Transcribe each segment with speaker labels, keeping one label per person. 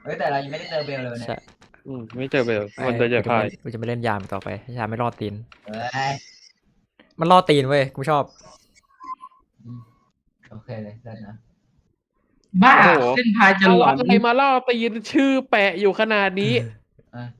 Speaker 1: เฮ้ยแต่เรายังไม่ได้เจอเบลเลยเนี่ย
Speaker 2: ใช่
Speaker 3: ไม่เจอเบลมันจะพาย
Speaker 2: กูจะไม่เล่นยามต่อไปยามไม่รอดตีน
Speaker 1: เฮ้ย
Speaker 2: มันรอดตีนเว้ยกูชอบ
Speaker 1: อืมโอเคเลยได้นะ
Speaker 4: บ้า
Speaker 3: โอ้โห
Speaker 4: เส้นพายจะ
Speaker 3: เอา
Speaker 4: หลอน
Speaker 3: อะไรมาล่อตีนชื่อแปะอยู่ขนาดนี้
Speaker 1: อ่ะ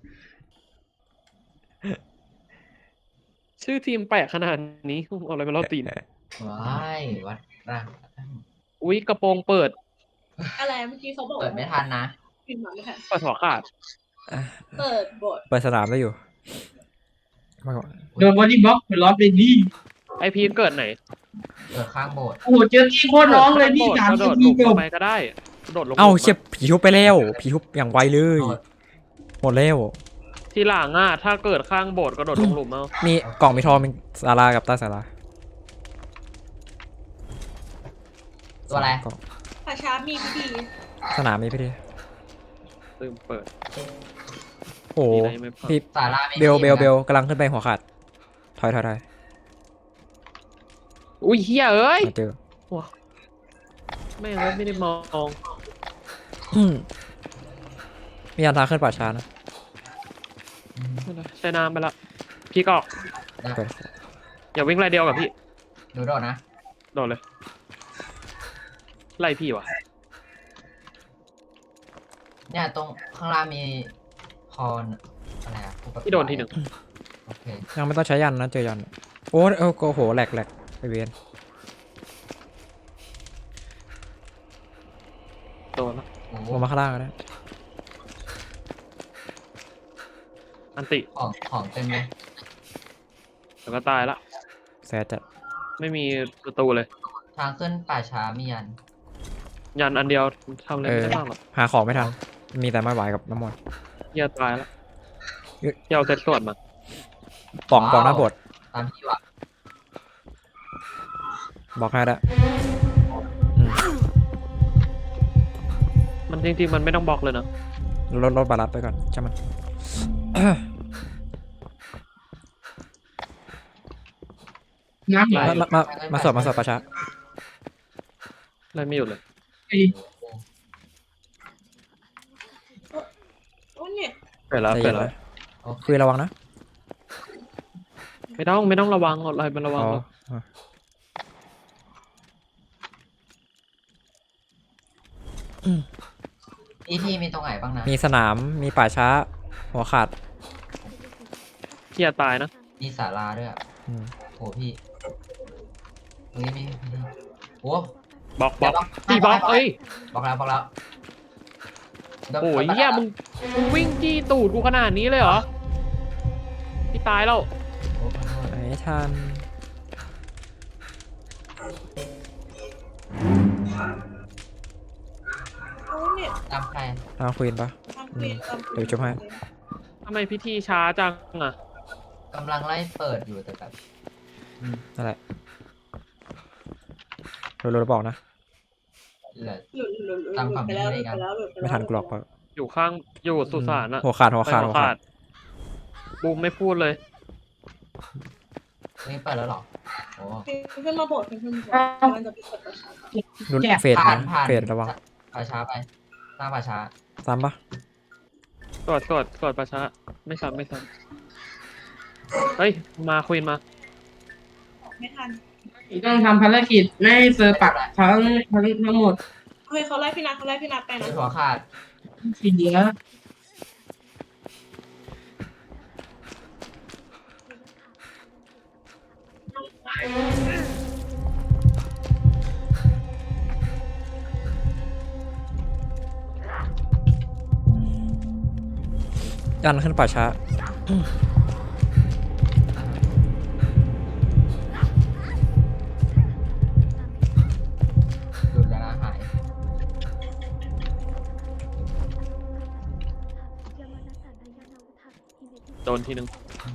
Speaker 3: ชื่อทีมแปะขนาดนี้เอาอะไรมาล่อตีน
Speaker 1: ว้ายวัดร่าง
Speaker 3: อุ๊ยกระโปรงเปิด
Speaker 5: อะไรเมื่อกี้เขาบอก
Speaker 1: เปิดไม่ทันนะ
Speaker 5: พิมพ์มาไม่ทัน
Speaker 3: เปิดหัวขาด
Speaker 5: เปิดบท
Speaker 2: เปิดสนามได้อยู่มากกว่า
Speaker 4: โดนบอดี้บล็อกไปล้อไปดี
Speaker 3: ไอพีทเกิดไหน
Speaker 1: เปิดข้างโบสถ์
Speaker 4: โอ้โหเจอที่โคตรร้องเลยพี่
Speaker 3: กระโด
Speaker 4: สามนา
Speaker 3: ด
Speaker 4: ที
Speaker 3: ลง
Speaker 4: จบ
Speaker 3: ไปก็ได้กระโดดลง
Speaker 2: เอ้า
Speaker 3: หลุม
Speaker 2: เชี่ยผีทุบไปแล้วผีทุบอย่างไวเลยหมดแล้ว
Speaker 3: ทีหลังถ้าเกิดข้างโบสถ์กระโดดลงหลุมเอา
Speaker 2: มีกล่องมีทองมีศาลากับใต้ศาลา
Speaker 1: ตัวอะไร
Speaker 2: กล่อง
Speaker 5: ป่าช้ามีพิธี
Speaker 2: สนามมีพี่ดิ
Speaker 3: ลืมเปิด
Speaker 2: โอ้โห
Speaker 3: มีอะไรไม่เปิด
Speaker 2: พี่
Speaker 1: สาราไม่
Speaker 2: เบล
Speaker 1: มี
Speaker 2: เบล
Speaker 1: นะ
Speaker 2: เบลกำลังขึ้นไปหัวขาดถอย
Speaker 3: อุ้ยเฮียเอ้ย
Speaker 2: มาเจอ
Speaker 3: ไม่งไม่ได้มอง
Speaker 2: มีอันทางขึ้นป่าช้านะ
Speaker 3: ใช้น้ำไปละพี่ก็
Speaker 1: นะ
Speaker 2: ไป
Speaker 3: อย่าวิ่งไรเดียวกับพี่
Speaker 1: หนูโดดนะ
Speaker 3: โดดเลย ไล่พี่วะ
Speaker 1: เนี่ยตรงข้างล่างมีพรอะไรอ่ะผู้ประ
Speaker 3: พี่โดนทีหนึ่ง
Speaker 1: โอเค
Speaker 2: ยังไม่ต้องใช้ยันนะเจอยันโอ้โหแหลกไปเวียน
Speaker 3: โดนละ
Speaker 1: โอ้โห
Speaker 2: ลงมาข้างล่างก็ได้
Speaker 3: อันติ
Speaker 1: ของเต็มเลย
Speaker 3: แล้วก็ตายละ
Speaker 2: แซดจัด
Speaker 3: ไม่มีประตูเลย
Speaker 1: ทางขึ้นป่าช้ามียัน
Speaker 3: ยันอันเดียวทำอะไรไม่ได้บ้างหรอก
Speaker 2: หาของไม่ทันมีแต่ไม้ไหวกับน้ำมันต์
Speaker 3: เฮียตายละเฮียเอาเซตตรวจมา
Speaker 2: ป่องหน้าโบสถ์
Speaker 1: ตามที่ว่า
Speaker 2: บอกให้ได้
Speaker 3: มันจริงๆมันไม่ต้องบล็อกเลยนะ
Speaker 2: ลดบาลัสไปก่อนใช่มัน
Speaker 4: น้ำไหล
Speaker 2: มาสวดประชา
Speaker 3: ไล่ไม่หยุดเลย
Speaker 4: ไอ้
Speaker 5: โอ้เนี่ย
Speaker 3: เปิดแล้ว
Speaker 2: ใจ
Speaker 3: เปิ
Speaker 2: เย็
Speaker 3: ด
Speaker 2: น
Speaker 3: แล้ว
Speaker 2: นะคุยระวังนะ
Speaker 3: ไม่ต้องระวังอะไรมันระวัง
Speaker 2: อ๋อ
Speaker 3: หรอก
Speaker 1: ที่มีตรงไหนบ้างนะ
Speaker 2: มีสนามมีป่าช้า หัวขาด
Speaker 3: เฮียตายนะ
Speaker 1: มีศาลาด้วยอ่ะ
Speaker 2: อืม
Speaker 1: โหพี่เฮ้ยมีโอ้
Speaker 3: บล็อกตีบล็อกเอ้ย
Speaker 1: บอกแล้ว
Speaker 3: โอ้ยเฮียมึงวิ่งจี้ตูดกูขนาดนี้เลยเหรอพี่ตายแล้ว
Speaker 1: โอ้ขอโทษ
Speaker 2: ไม่ทัน
Speaker 5: โอ้เนี่ย
Speaker 1: ตามใคร
Speaker 2: เอาควีนปะ
Speaker 5: ตามเปลี่ยนตาม
Speaker 2: เดี๋ยวจุ๊บให้
Speaker 3: ทำไมพิธีช้าจังอ่ะ
Speaker 1: กำลังไล่เปิดอยู่แต่แบบ
Speaker 2: นั่นแหละเราบอกนะ
Speaker 1: เหลือ
Speaker 5: หลุดไปแล้วหลุดไปแล้วหลุดไปแล้ว
Speaker 2: ไม่ทันกรอกปะ
Speaker 3: อยู่สุสานอะ
Speaker 2: หัวขาด
Speaker 3: ไป
Speaker 2: หัวขาด
Speaker 3: บูมไม่พูดเลย
Speaker 1: นี่เปิดแล้วเหรอโอ้
Speaker 5: ขึ้นมาบทขึ้นมาบทมันจะเป็นกฎประชาชน
Speaker 2: นุ่นเฟด
Speaker 1: ผ่า
Speaker 2: นะ
Speaker 1: นผ่าน
Speaker 2: เฟดระวัง
Speaker 1: ป่าช้าไปสร้างป่าช้า
Speaker 2: ซ้ำปะ
Speaker 3: กดประชาไม่ซ้ำเฮ้ยมาควีนมา
Speaker 5: ไม่ทัน
Speaker 4: ต้องทำภารกิจไม่ให้เซอร์ปักทั้งหมด
Speaker 5: เฮ้ยเขาไล่พี่นัทไปนะ
Speaker 1: หัวขาด
Speaker 4: ทีเดียว
Speaker 2: ยันขึ้นป่าช้า
Speaker 1: หลุดแล้วนะหาย
Speaker 3: โดนทีนึง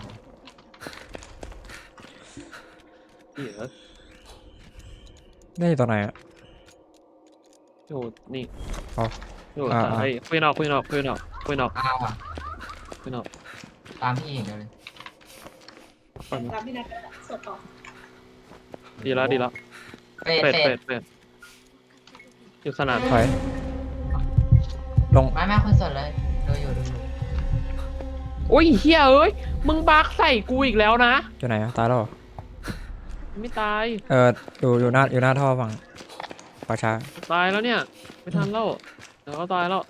Speaker 3: เหี้ย
Speaker 2: ได้อยู่ตรงไหนอะ
Speaker 3: อยู่นี่
Speaker 2: อ๋อ
Speaker 3: อยู่
Speaker 2: อ่า
Speaker 3: เฮ้ยควีนออก
Speaker 1: อ้าวอ่ะ
Speaker 3: ตาม
Speaker 1: ตามพี่อย่างเดียวเลย
Speaker 5: ตามพี่นัทสดต่อ
Speaker 3: ดีแล้ว
Speaker 1: เฟด
Speaker 3: เป็ดอยู่สนาม
Speaker 2: ถอย ลลง
Speaker 1: ไม่คนสดเลยดูอยู่
Speaker 3: โอ้ยเฮียเอ้ยมึงบักใส่กูอีกแล้วนะ
Speaker 2: อยู่ไหนอะตายแล้วเหรอ
Speaker 3: ไม่ตาย
Speaker 2: อยู่หน้าท่อฝั่งป่าช้า
Speaker 3: ตายแล้วเนี่ยไม่ทันแล้วเดี๋ยวก็ตายแล้ว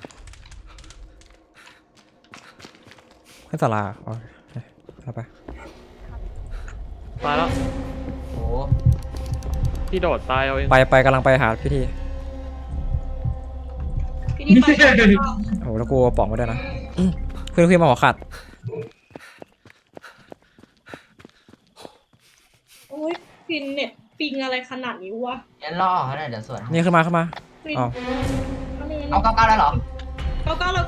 Speaker 2: ขึ้นศาลาอ๋อเอาไป
Speaker 3: ตายแล้ว
Speaker 1: โอ้
Speaker 3: ที่โดดตายเอาเอง
Speaker 2: ไปกำลังไปหาพิธี
Speaker 5: พี่นี่ไปแล้วก็
Speaker 2: โอ้แล้วกูเอาป๋องไว้ด้วยนะขึ้นมาหัวขาด
Speaker 5: โอ้ยฟินเนี่ยปิงอะไรขนาดนี้วะ
Speaker 1: ยันล่อเขาหน่อยเดี๋ยวสวน
Speaker 2: นี่ขึ้นมา
Speaker 5: ฟิน
Speaker 2: อ๋อ
Speaker 1: เอา99แล้วเหรอ
Speaker 5: เก้าแล้ว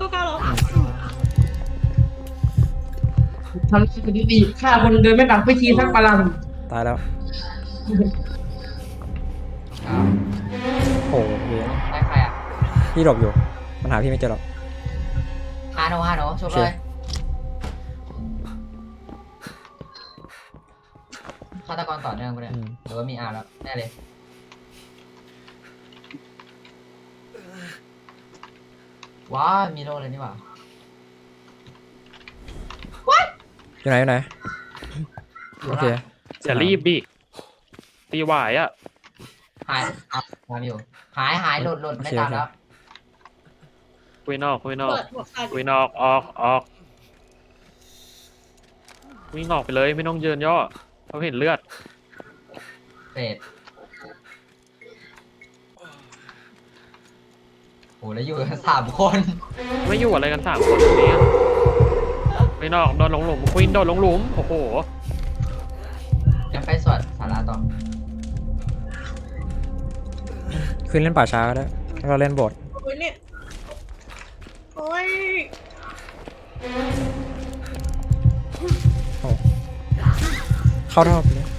Speaker 4: ทำสถิติฆ่าคนโดยไม่ปักพิธีสักปลัง
Speaker 2: ตายแล้ว
Speaker 1: อ้าว
Speaker 2: โอ้โหเวียน
Speaker 1: ได้ใครอ่ะ
Speaker 2: พี่หลบอยู่มันหาพี่ไม่เจอหรอก
Speaker 1: ฮาโนชุบเลยฆาตกรต่อเนื่องปะเนี่ยหรือว่ามีอาร์แล้วแน่เลยว้าวมีโลเลยนี่หว่า
Speaker 2: อยู่ไหนโอเค
Speaker 3: อย่ารีบดิตีหวายอ่ะ
Speaker 1: หายมาอยู่หายหลุดไม่ตามแล้ว
Speaker 3: คุยนอก
Speaker 5: เปิดหัวขาด
Speaker 3: คุยนอกออกวิ่งออกไปเลยไม่ต้องเยินย่อเขาเห็นเลือด
Speaker 1: เศษโหแล้วอยู่กัน3 คน
Speaker 3: ไม่อยู่อะไรกัน3 คนตรงนี้คุยนอกโดนลงหลุมควินโดนลงหลุมโอ้โห
Speaker 1: ยังไปสวดสาราต่อ
Speaker 2: ขึ้นเล่นป่าช้าก็ได้แล้วก็เล่นโบสถ์
Speaker 5: โอ้ยเนี่ยโอ้ย
Speaker 2: เข้าท่อไปเลย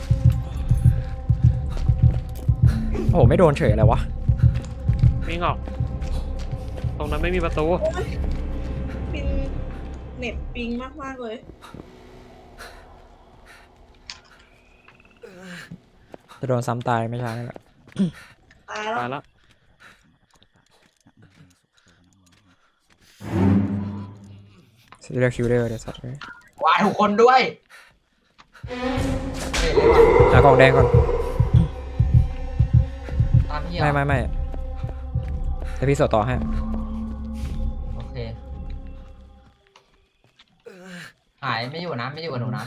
Speaker 2: โอ้โหไม่โดนเฉยอะไรวะ
Speaker 3: วิ่งออก ตรงนั้นไม่มีประตู
Speaker 5: ฟินเน็ตปิงมากเลย
Speaker 2: จะโดนซ้ำตายไม่ช้านี่แหละ
Speaker 5: ตายแล้ว
Speaker 3: ตายแล้ว
Speaker 2: เรียกคิวเดอร์เดี๋ยวสัตว์เลย
Speaker 1: วายทุกคนด้วยเศษเลยว่ะ
Speaker 2: หากล่องแดงก่อน
Speaker 1: ตามพี่เหรอ
Speaker 2: ไม่แต่พี่สวดต่อให้
Speaker 1: โอเคหายไม่อยู่นะไม่อยู่กับหนูนะ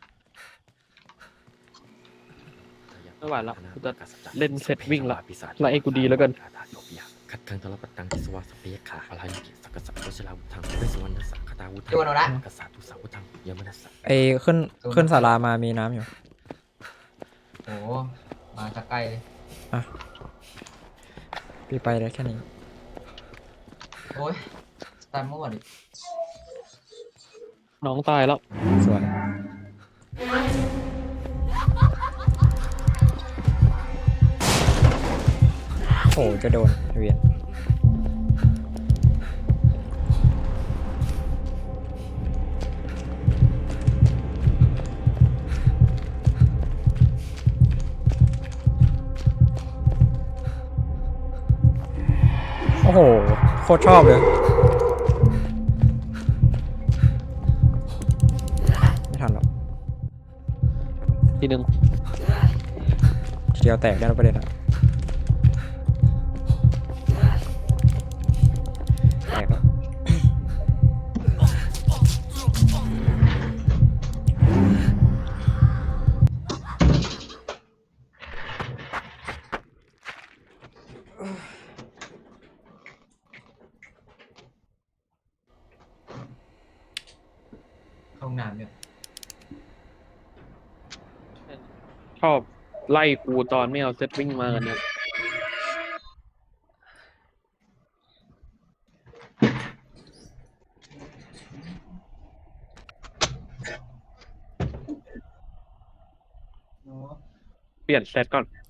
Speaker 3: ไม่ไหวแล้วกูจะเล่นเสร็จวิ่งละไล่กูดีแล้วกัน
Speaker 6: ขัดขังทรปตังทิสวาสเปียขาพลายุกิสักกษัตริย์วชิราวุธังเวสวรรณสักคตาวุธั
Speaker 1: อยู่กับหนูนะ
Speaker 6: กษัตริย์ทุสาวุธังยมนัสสะ
Speaker 2: ไอ้ขึ้นศาลามามีน้ำอยู่
Speaker 1: โอ้มาจากไกลเลย
Speaker 2: พี่ไปได้แค่นี้
Speaker 1: โอ้ยตายมั่วดิ
Speaker 3: น้องตายแล้ว
Speaker 2: สวยโอ้โหจะโดนเวียนโอ้โหโคตรชอบเลยไม่ทันหรอก
Speaker 3: ทีนึง
Speaker 2: ทีเดียวแตกได้แล้วประเด็นอะแตกแล้ว
Speaker 1: เข้าห้องน้ำอยู่
Speaker 3: ชอบไล่กูตอนไม่เอาเซตวิ่งมากันเนี่ย
Speaker 1: โอ้
Speaker 3: เปลี่ยนเซตก่อน